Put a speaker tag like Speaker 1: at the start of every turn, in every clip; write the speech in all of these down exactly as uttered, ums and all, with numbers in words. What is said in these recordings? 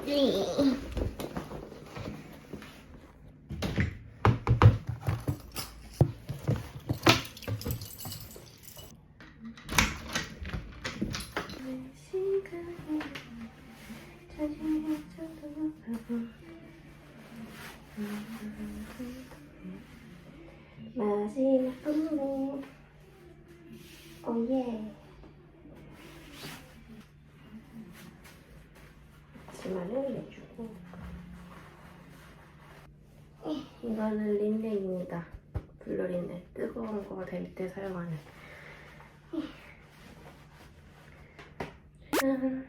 Speaker 1: 마지막 분노 오예 치마를 내주고 이거는 린넨입니다. 블루 린넨 뜨거운 거 될 때 사용하는 짠.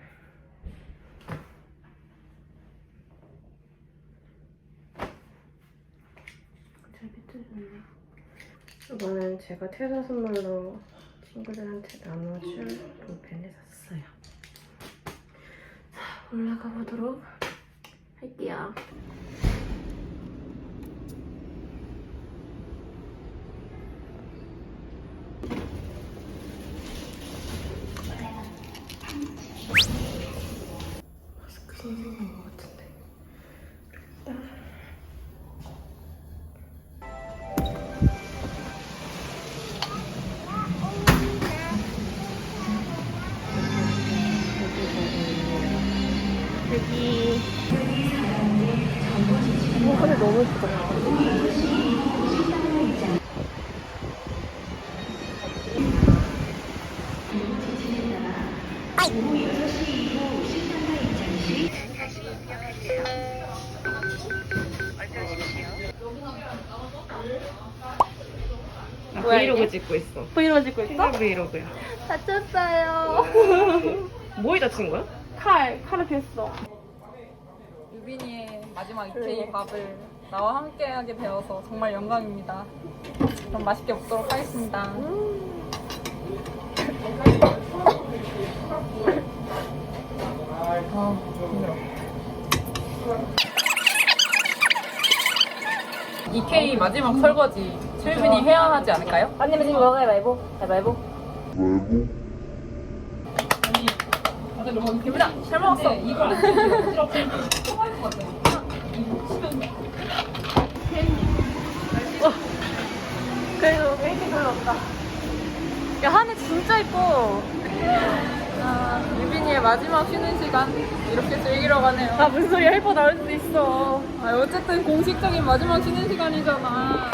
Speaker 1: 잘 비틀렸네. 이거는 제가 퇴사 선물로 친구들한테 나눠줄 볼펜을 샀어요. 자, 올라가 보도록 할게요. 마스크 생긴 것 같은데. 일단 여기 어, 하늘 너무 예쁘다.
Speaker 2: 나 브이로그 찍고 있어.
Speaker 1: 브이로그 찍고 있어?
Speaker 2: 브이로그야.
Speaker 1: 다쳤어요.
Speaker 2: 뭐에 다친 거야?
Speaker 1: 칼, 칼을 뺐어.
Speaker 3: 유빈이의 마지막 이케이 밥을 나와 함께하게 되어서 정말 영광입니다. 그럼 맛있게 먹도록 하겠습니다. 아, 힘들어. 이케이 마지막 설거지 최유빈이 해야 하지 않을까요?
Speaker 1: 언니는 지금 먹어요, 말보. 말보.
Speaker 3: 다들 너무 기분아 잘 먹었어. 이거 안 통할 것 같아.
Speaker 1: 그래도 웨이팅 별로 없다. 야, 하늘 진짜 이뻐.
Speaker 3: 아, 유빈이의 마지막 쉬는 시간 이렇게 즐기러 가네요.
Speaker 1: 아, 무슨 소리야. 헬퍼 나올 수도 있어.
Speaker 3: 아, 어쨌든 공식적인 마지막 쉬는 시간이잖아.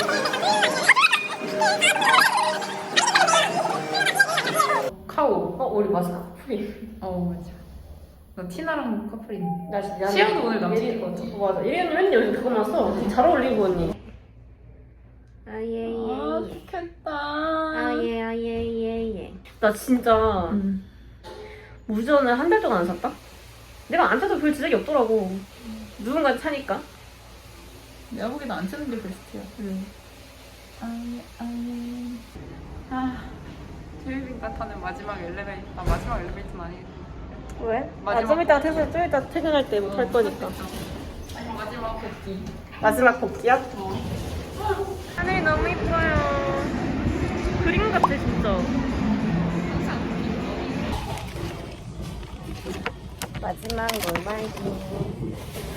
Speaker 3: 카오.
Speaker 1: 어, 우리 마스크 커플이.
Speaker 3: 어, 맞아. 나 티나랑 커플인데.
Speaker 1: 나 진짜.
Speaker 3: 시연도 오늘 남친
Speaker 1: 거 같아. 어, 맞아. 이리언니 맨날 요즘 그거만 써. 되게 잘 어울리고, 언니. 아예예.
Speaker 3: 아, 좋겠다.
Speaker 1: 아예 아예 예예. 나 진짜
Speaker 3: 음.
Speaker 1: 무전을 한 달 동안 안 샀다? 내가 안 타도 별 지적이 없더라고. 누군가 차니까.
Speaker 3: 내가 보기에도 안 쓰는 게 베스트야.
Speaker 1: 응.
Speaker 3: 아예 아예. 아, 최유빈과 타는 마지막 엘리베이터. 아, 마지막 엘리베이터는 아니겠지.
Speaker 1: 왜?
Speaker 3: 마지막
Speaker 1: 아, 좀 이따 퇴근, 좀 이따 퇴근할 때 못 할 거니까.
Speaker 3: 마지막 복귀.
Speaker 1: 마지막 복귀야? 하늘이 너무 이뻐요. 그림 같아, 진짜. 마지막 놀말기.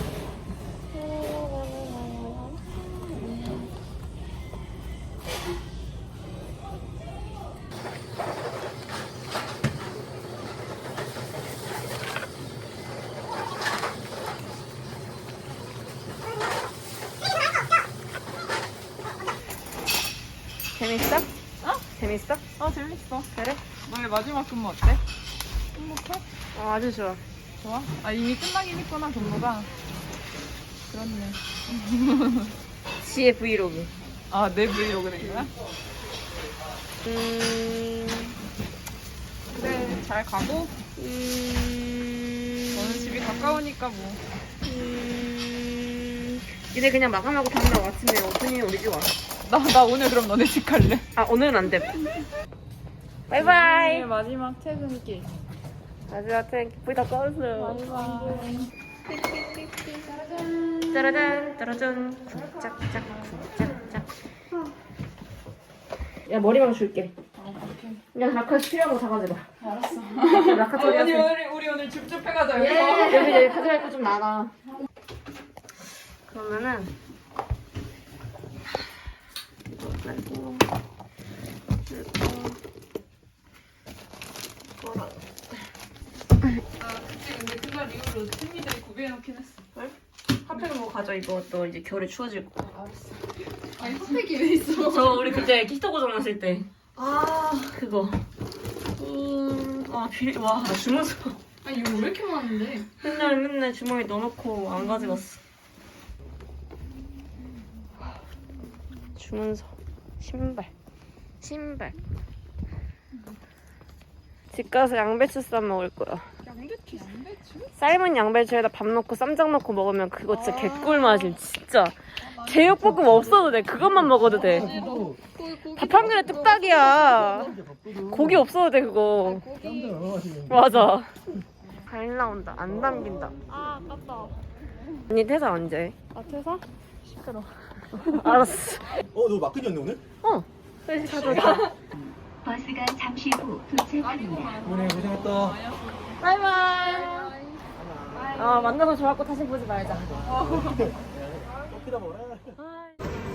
Speaker 1: 재밌어?
Speaker 3: 어?
Speaker 1: 재밌어?
Speaker 3: 아, 재밌어.
Speaker 1: 그래?
Speaker 3: 너의 마지막 근무 어때? 행복해?
Speaker 1: 어, 아주 좋아.
Speaker 3: 좋아? 아, 이미 끝나긴 했구나, 근무가. 그렇네.
Speaker 1: 지의 브이로그.
Speaker 3: 아, 내 브이로그 된 거야?
Speaker 1: 음,
Speaker 3: 그래, 잘 가고.
Speaker 1: 음,
Speaker 3: 너는 집이 가까우니까 뭐.
Speaker 1: 음, 이제 그냥 마감하고 다음날 아침에 오프닝 우리 집 와.
Speaker 3: 나, 나 오늘 그럼 너네 집 갈래.
Speaker 1: 아, 오늘은 안 돼. 바이바이.
Speaker 3: 유빈이의 마지막 퇴근길.
Speaker 1: 마지막 탱크 불이 다 꺼졌어요.
Speaker 3: 바이바이.
Speaker 1: 짜라잔, 짜라잔. 쿵짝짝, 쿵짝짝. 야, 머리만 줄게.
Speaker 3: 어, 오케이.
Speaker 1: 그냥 라카스 필요한 거 다 가져가.
Speaker 3: 알았어.
Speaker 1: 라카
Speaker 3: 아,
Speaker 1: 처리
Speaker 3: 우리,
Speaker 1: 하세요.
Speaker 3: 우리, 우리 오늘 오늘 줍줍해가자
Speaker 1: 예.
Speaker 3: 여기서.
Speaker 1: 여기 여기 가져갈 거 좀 많아. 그러면은 그리고 그리고
Speaker 3: 아 그치 근데 그날 이후로 친구들이 구비해놓긴 했어.
Speaker 1: 핫팩 뭐 가져. 이거 또 이제 겨울에 추워질 거.
Speaker 3: 알았어. 아니 핫팩이 왜 있어?
Speaker 1: 저 우리 그때 히터 고장났을 때
Speaker 3: 아
Speaker 1: 그거. 음, 아 비리 와나 주문서
Speaker 3: 아니 이거 왜 이렇게 많은데?
Speaker 1: 맨날 맨날 주머니 넣어놓고 안 가져갔어. 주문서, 신발, 신발. 집 가서 양배추 쌈 먹을 거야.
Speaker 3: 양배추? 양배추?
Speaker 1: 삶은 양배추에다 밥 넣고 쌈장 넣고 먹으면 그거 진짜
Speaker 3: 아.
Speaker 1: 개꿀 맛임 진짜. 제육볶음 없어도 돼. 그것만 먹어도 돼. 밥 한 그릇 뚝딱이야. 고기 없어도 돼 그거. 맞아. 잘 나온다. 안 남긴다.
Speaker 3: 아 아깝다.
Speaker 1: 언니 퇴사 언제?
Speaker 3: 아 퇴사? 시끄러.
Speaker 1: 알았어.
Speaker 4: 어, 너 막근이었네 오늘?
Speaker 1: 어. 그래서 자도
Speaker 5: 버스가 잠시 후 도착합니다.
Speaker 4: 오늘 고생했다.
Speaker 1: 바이바이. 아 만나서 좋았고 다시 보지 말자.
Speaker 4: 또 피다 먹어라.
Speaker 1: 바이.